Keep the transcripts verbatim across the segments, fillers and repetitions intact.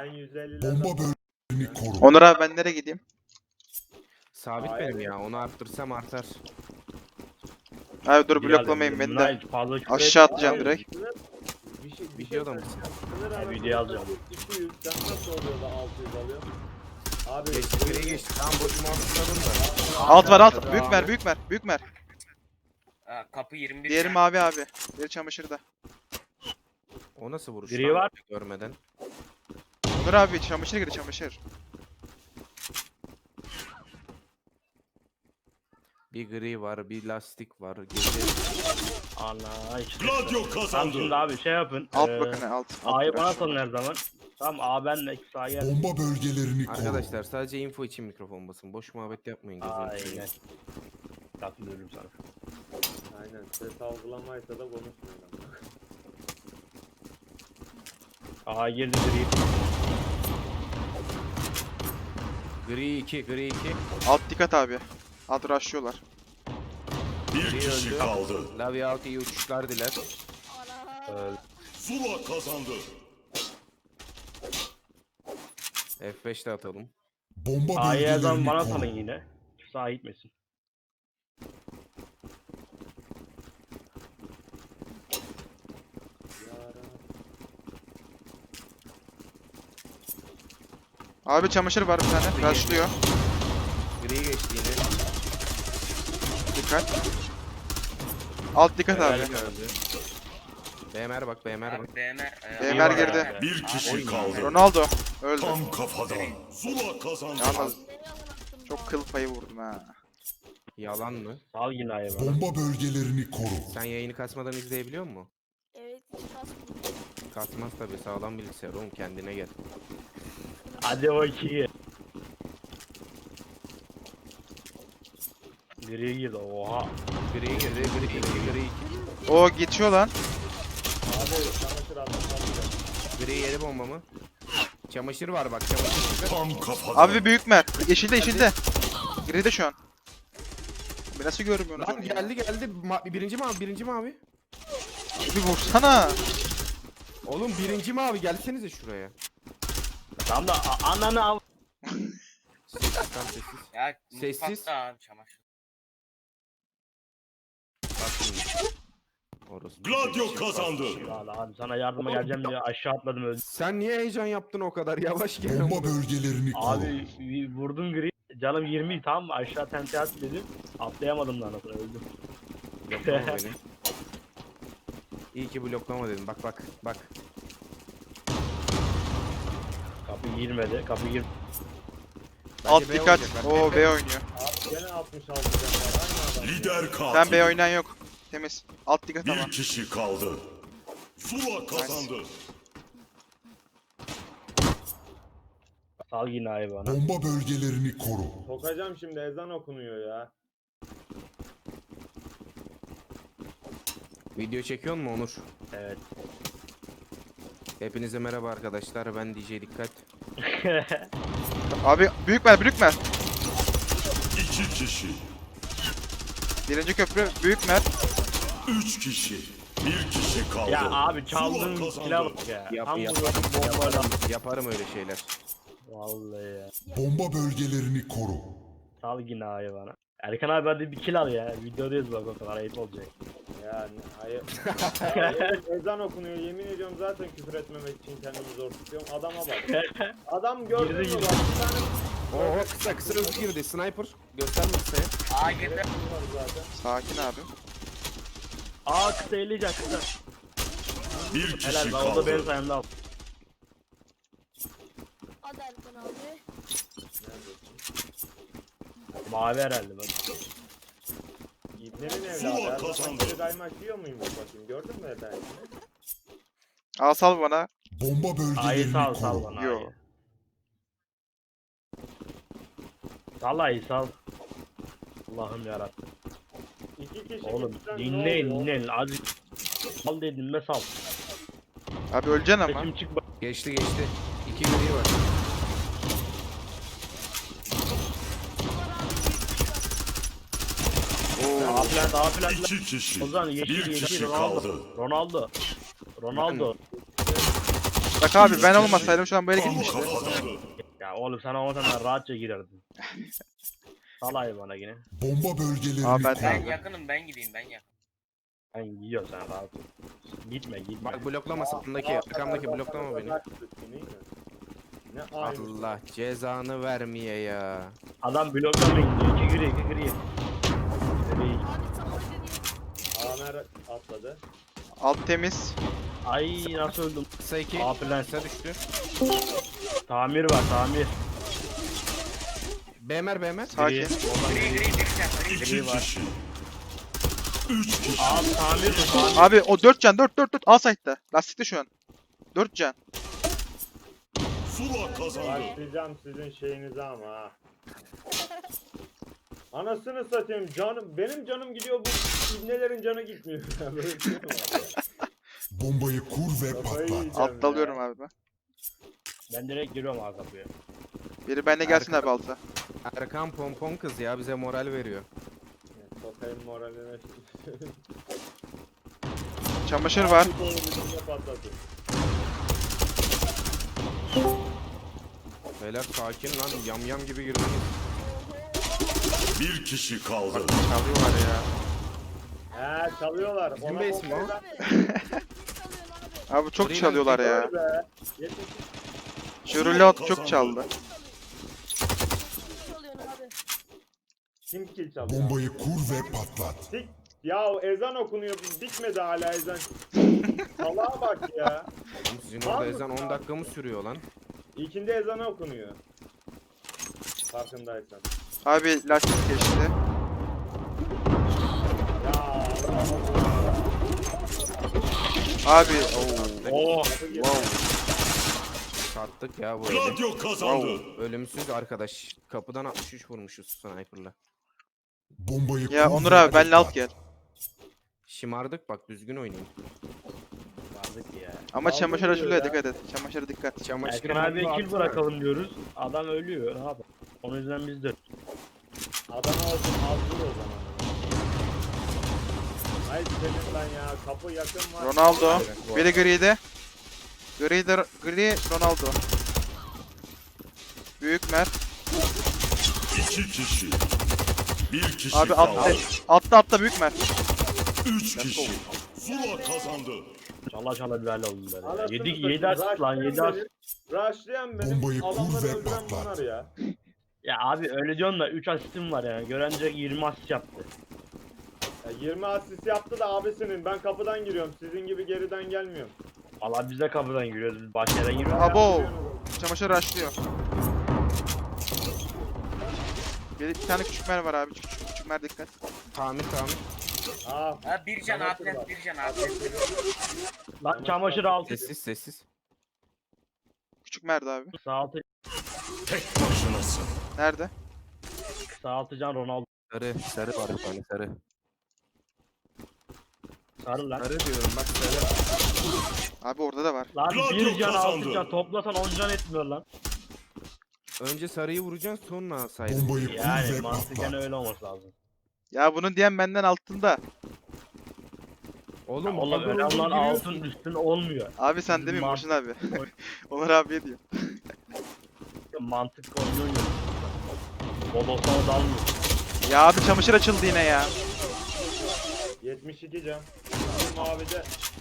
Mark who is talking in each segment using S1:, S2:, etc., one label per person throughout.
S1: Ben yüz elli
S2: Bomba bölgelerini koru.
S3: Onur abi ben nereye gideyim?
S4: Sabit
S1: Hayır.
S4: benim ya. Onu arttırsam artar.
S3: Abi dur
S5: Bir
S3: bloklamayın beni de.
S5: Nice, fazla küfür
S3: Aşağı
S5: etme.
S3: atacağım
S5: Abi,
S3: direkt.
S1: Bir şey, bir
S4: Videoda
S1: şey
S4: mısın?
S1: Sınır
S5: Ha,
S1: arası
S5: video alacağım.
S1: iki yüz. Sen nasıl oluyor da altı yüz alıyor? Abi
S4: Geçti geriye geçti. Tamam boşuma atladım da.
S3: Alt var alt.
S4: Hadi
S3: Büyük
S4: abi.
S3: mer büyük mer büyük mer.
S6: Ha, kapı yirmi bir.
S3: Diğeri mavi abi. Diğeri çamaşırda.
S4: O nasıl vuruş?
S5: Gri
S4: lan?
S5: var.
S4: Görmeden.
S3: Onur abi çamaşır girdi çamaşır.
S4: Bir gri var, bir lastik var. Gece
S5: Ana işte.
S2: Gladio
S5: Tamam
S2: kazandı.
S5: şimdi abi şey yapın.
S3: Alt
S5: eee,
S3: bakın alt. alt
S5: A'yı
S3: biraz.
S5: bana salın her zaman. Tamam A benle sağa gel.
S2: Bomba bölgelerini koru.
S4: Arkadaşlar sadece info için mikrofon basın. Boş muhabbet yapmayın. gözünü
S5: Aynen.
S4: seveyim.
S5: Katılıyorum sana.
S1: aynen ses algılamaysa da konuşmuyor.
S5: A girdi gri.
S4: Gri iki, gri iki.
S3: Alt dikkat abi. Alt rushlıyorlar.
S2: Bir
S4: Biri
S2: kişi
S4: öldü.
S2: kaldı.
S4: Lavi out iyi uçuşlar diler.
S5: Öldü.
S2: Zula kazandı.
S4: F beş de atalım.
S2: Bomba
S5: A'yı her zaman
S2: bölgelerini
S5: bana
S2: koru.
S5: salın yine. Sağa gitmesin.
S3: Abi çamaşır var bir tane. Rushlıyor.
S4: Gri geçti yine.
S3: Dikkat. Alt dikkat abi.
S4: Helal öldü. B M R bak, B M R bak.
S6: Abi B M R.
S3: B M R girdi.
S2: Bir kişi kaldı.
S3: Ronaldo. Öldü.
S2: Tam kafadan. Zula kazandı.
S3: Yalnız çok kıl payı vurdum ha.
S4: Yalan mı?
S5: Sal yine A'yı bana.
S2: Bomba bölgelerini koru.
S4: Sen yayını kasmadan izleyebiliyor musun?
S7: Evet, hiç kasmadım.
S4: Kasmaz tabi, sağlam bilgisayar oğlum, kendine gel.
S5: Hadi bakayım. Gri girdi oha.
S4: Gri girdi, gri iki, gri iki.
S3: O geçiyor lan.
S1: Abi çamaşır adam alacak.
S4: Gri yedi bombamı. Çamaşır var bak, çamaşır çıkar.
S2: Tam kafadan.
S3: Abi bir büyük mer. Yeşilde yeşilde. Gride şu an. Abi nasıl görmüyorsunuz
S4: Lan
S3: onu ya?
S4: geldi geldi. Ma birinci mi abi, birinci mi abi?
S3: Bir vursana.
S4: Oğlum birinci mi abi, gelsenize şuraya.
S5: Tam da a- ananı al.
S4: Sessiz, tam sessiz.
S6: Ya
S4: Sessiz.
S6: mutfakta abi çamaşır.
S4: Bak şimdi. Orası.
S2: Gladio kazandı.
S5: Valla abi sana yardıma geleceğim diye aşağı atladım öldüm.
S4: Sen niye heyecan yaptın o kadar, yavaş gel.
S2: Bomba bölgelerini koru.
S5: Abi vi- vurdum gri. Canım yirmi tamam mı? Aşağı tente at dedim. Atlayamadım lan aslında öldüm.
S4: Bloklama beni. İyi ki bloklama dedim, bak bak bak.
S5: Kapı girmedi. Kapı gir.
S4: Bence
S3: Alt
S4: B
S3: dikkat.
S4: oynayacaklar.
S3: Oo B oynuyor.
S1: Abi gene altmış altı can var. Aynı adam.
S2: Lider katil.
S3: Sen B oynayan yok. Temiz. Alt dikkat ama.
S2: Bir kişi kaldı. Zula kazandı.
S5: Sal yine ayı bana.
S2: Bomba bölgelerini koru.
S1: Sokacağım şimdi ezan okunuyor ya.
S4: Video çekiyor mu Onur?
S5: Evet.
S4: Hepinize merhaba arkadaşlar, ben D J Dikkat.
S3: Abi büyük mer büyük mer.
S2: İki kişi.
S3: Birinci köprü büyük mer.
S2: Üç kişi. Bir kişi kaldı.
S5: Ya abi çaldığın
S2: Zula
S5: silah
S2: kazandı.
S5: bak ya.
S4: Yap,
S5: Tam
S4: yap,
S5: vuruyordum bombayla.
S4: yaparım, yaparım öyle şeyler.
S5: Vallahi ya.
S2: Bomba bölgelerini koru.
S5: Sal yine ayı bana. Erkan abi hadi bir kill al ya. Videodayız bak o kadar ayıp olacak.
S1: Yani hayır. Ya, ezan okunuyor. Yemin ediyorum zaten küfür etmemek için kendimi zor tutuyorum. Adama bak. Adam gördün mü
S5: Girdi,
S1: bak. Bir tane
S4: Oo kısa kısa hızlı girdi, sniper. Gösterme kısaya.
S6: A girdi.
S1: var zaten.
S3: Sakin abi.
S5: Aa kısa eleyecek kısa.
S2: Bir kişi
S5: Helal ben o da benim
S2: kaldı.
S5: sayemde al.
S7: Hadi Erkan abi.
S5: Mavi herhalde bak.
S1: İbnenin
S2: Zula
S1: evladı. Her
S2: kazandı.
S1: zaman geri kaymak yiyor muymuş bakayım. Gördün mü efendim?
S3: Al sal bana.
S2: Bomba
S5: Ayı
S2: bölgelerini
S5: sal sal
S2: koru.
S5: bana
S3: Yo.
S5: ayı. Sal ayı sal. Allah'ım yarabbim.
S1: İki kişi
S5: Oğlum
S1: gitsen ne
S5: dinleyin
S1: oluyor?
S5: dinleyin. Azıcık sal dedim be sal.
S3: Abi öleceksin ama.
S5: Sesim çık bak.
S4: Geçti geçti. İki gri var.
S5: Daha plan daha plan.
S2: İki kişi.
S5: O zaman yeşil
S2: Bir
S5: yeşil
S2: kişi
S5: Ronaldo.
S2: kaldı.
S5: Ronaldo. Ronaldo.
S3: Bak Bak abi ben olmasaydım şu an böyle
S2: Tam
S3: gitmişti.
S2: kafadan.
S5: Ya oğlum sen olmasan rahatça girerdin. Salay bana yine.
S2: Bomba bölgelerini
S3: Aa, ben-
S2: koru.
S6: Ben yakınım, ben gideyim, ben yakın.
S5: Ben yiyor sen rahat ol. Gitme gitme.
S4: Bak bloklama sağımdaki, arkamdaki bloklama beni.
S1: Ne aynı.
S4: Allah cezanı vermeye ya.
S5: Adam bloklamaya gidiyor. İki gri iki gri. Gri.
S7: Abi sana gri.
S1: Amer atladı.
S3: Alt temiz.
S5: Ay nasıl öldüm.
S4: Kısa iki.
S5: A plan.
S4: Kısa düştü.
S5: Tamir var tamir.
S4: B M R B M R.
S3: Sakin.
S6: Gri gri bir can, gri.
S2: İki kişi. Üç kişi.
S5: Abi tamir mi tamir?
S3: Abi o dört can dört dört dört. Al site'da. Lastikte şu an. dört can.
S2: Zula kazandı.
S1: Başlayacağım sizin şeyinize ama ha. Anasını satayım canım. Benim canım gidiyor, bu ibnelerin canı gitmiyor. Böyle bir şey mi var?
S2: Bombayı kur ve
S1: Kafayı
S2: patlat.
S1: yiyeceğim
S3: Altta
S1: ya.
S3: alıyorum abi ben.
S5: Ben direkt giriyorum abi kapıya.
S3: Biri bende gelsin abi alta.
S4: Erkan pompon kız ya bize moral veriyor.
S1: Sokayım moraline.
S3: Çamaşır var.
S1: Bir konu bizimle patlatın.
S4: Beyler sakin lan yam yam gibi girdiniz.
S2: Bir kişi kaldı.
S3: Çalıyorlar ya.
S1: He çalıyorlar.
S4: Bizim
S1: Ona
S4: base mi o?
S1: bombayı ver.
S7: Abi. Çalıyorsun abi.
S3: Abi çok
S4: Green
S3: çalıyorlar ya.
S1: Vay be. Yetmiş
S3: Şurulot çok çaldı.
S7: Çalıyorsun abi.
S1: kim kill çalıyor?
S2: Bombayı kur ve patlat.
S1: Sik. Ya ezan okunuyor. Bitmedi hala ezan. Salağa bak ya.
S4: Oğlum sizin
S1: Var
S4: orada
S1: mı?
S4: ezan on dakika mı sürüyor lan?
S1: İlkinde ezanı okunuyor. Farkındaysan.
S3: Abi lastik geçti.
S1: Ya Allah Allah.
S3: Abi ooo.
S5: Oo.
S1: Kapı girdi.
S3: Wow.
S4: Sattık ya bu eli.
S2: Gladio kazandı.
S4: Ölümsüz arkadaş. Kapıdan altmış üç vurmuşuz sniper'la.
S2: Bombayı
S3: Ya
S2: kur
S3: Onur
S2: ve
S3: abi benle alt
S2: patlat.
S3: gel.
S4: Şımardık bak düzgün oynayın.
S5: Vardık ya.
S3: Ama
S1: Aldım
S3: çamaşır
S1: diyor
S3: açılıyor,
S1: ya.
S3: dikkat et. Çamaşıra dikkat.
S4: Çamaşır
S5: Erkan abiye
S4: bomba
S5: kill
S4: atsana.
S5: bırakalım diyoruz. Adam ölüyor. Ne yapalım? Onun yüzden biz de.
S1: Adana olsun hazır o zaman. Ay senin lan ya, kapı yakın var.
S3: Ronaldo. Biri gride. Gride, gri Ronaldo. Büyük Mert.
S2: İki kişi. Bir kişi
S3: Abi
S2: kaldı.
S3: altta, altta altta büyük Mert.
S2: Üç kişi. Zula kazandı.
S5: Çala çala bir hal oldu böyle.
S1: Anasını
S5: Yedi,
S1: satayım,
S5: yedi asist lan yedi
S1: rushlayan
S5: asist.
S1: benim, rushlayan benim.
S2: Bombayı kur
S1: Adamları
S2: ve
S1: öldüren
S2: patlat.
S1: bunlar ya.
S5: Ya abi öyle diyorsun da üç asistim var yani. Görence yirmi asist yaptı.
S1: Ya yirmi asist yaptı da abisinin. Ben kapıdan giriyorum. Sizin gibi geriden gelmiyorum.
S5: Valla biz de kapıdan giriyoruz. Biz başka yere giriyoruz.
S3: Abo. Çamaşır açlıyor. Bir, bir tane küçük mer var abi. Küçük, küçük mer dikkat.
S4: Tamir tamir.
S1: Ah.
S6: Ha bir can,
S1: Bana
S6: atlet
S1: bak.
S6: bir can, atlet.
S5: Lan çamaşır altı.
S4: Sessiz sessiz.
S3: Küçük merdi abi.
S5: Sağ altı.
S2: Tek başınasın.
S3: Nerede?
S5: Sağ altı can Ronaldo.
S4: Sarı sarı var bir tane sarı.
S5: Sarı lan.
S4: Sarı diyorum bak sarı.
S3: Abi orada da var.
S5: Lan
S2: Gladio
S5: bir can
S2: kazandı.
S5: altı can toplasan on can etmiyor lan.
S4: Önce sarıyı vuracaksın sonra alsaydın.
S2: Bombayı kur
S5: Yani
S2: ve
S5: mantıken
S2: patlat.
S5: öyle olması lazım.
S3: Ya bunun diyen benden altında.
S4: Oğlum
S5: Oğlum
S4: bugün
S5: önemli olan
S4: giriyorsun.
S5: altın üstün olmuyor.
S3: Abi sen
S5: Bizim
S3: demin
S5: mant-
S3: Burçin abi. Onur abiye diyor.
S5: Mantık oynuyor. Bodoslama dalmıyor.
S3: Ya abi çamaşır açıldı yine ya.
S1: yetmiş iki can. Bizim mavide.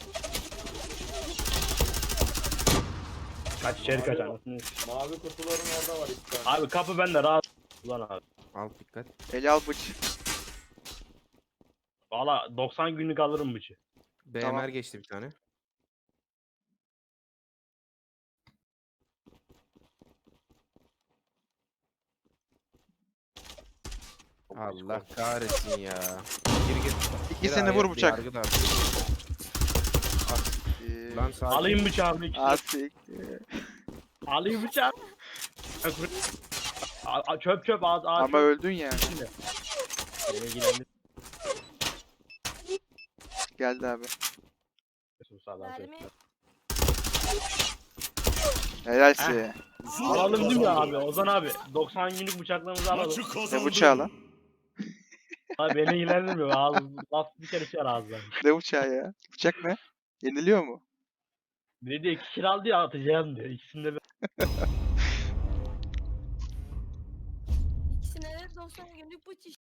S5: Kaç içeri kaç
S1: Mavi-
S5: anasını.
S1: Mavi kutuların orada var iki tane.
S5: Abi kapı bende rahat. Ulan abi.
S4: Al dikkat.
S3: Eli al bıç.
S5: Valla doksan günlük alırım bıçı.
S4: B M R
S3: Tamam.
S4: geçti bir tane. Allah kahretsin ya. Gir gir.
S3: İkisini
S4: Gir
S3: vur
S4: abi,
S3: bıçak.
S4: yargı da at.
S3: Asiktir.
S4: Lan sakin.
S5: Alayım bıçağımı ikisini.
S3: Asiktir.
S5: Alayım bıçağı. A- a- çöp çöp ağaç ağaç.
S3: Ama öldün ya.
S5: içinde. Beni ilgilendir.
S3: Geldi abi.
S7: Mermi.
S3: Helalsi.
S2: Zula
S5: Alalım değil mi
S2: kazandı.
S5: abi? Ozan abi. doksan günlük bıçaklarımızı alalım.
S2: Maçı kazandı.
S3: Ne bıçağı lan?
S5: Abi beni ilgilendirmiyor. Ağız, laf bir kere çıkar ağızdan.
S3: Ne bıçağı ya? Bıçak ne? Yeniliyor mu?
S5: Biri de iki kill aldı ya atacağım diyor. İkisini de
S7: İkisine de doksan günlük bıç iş.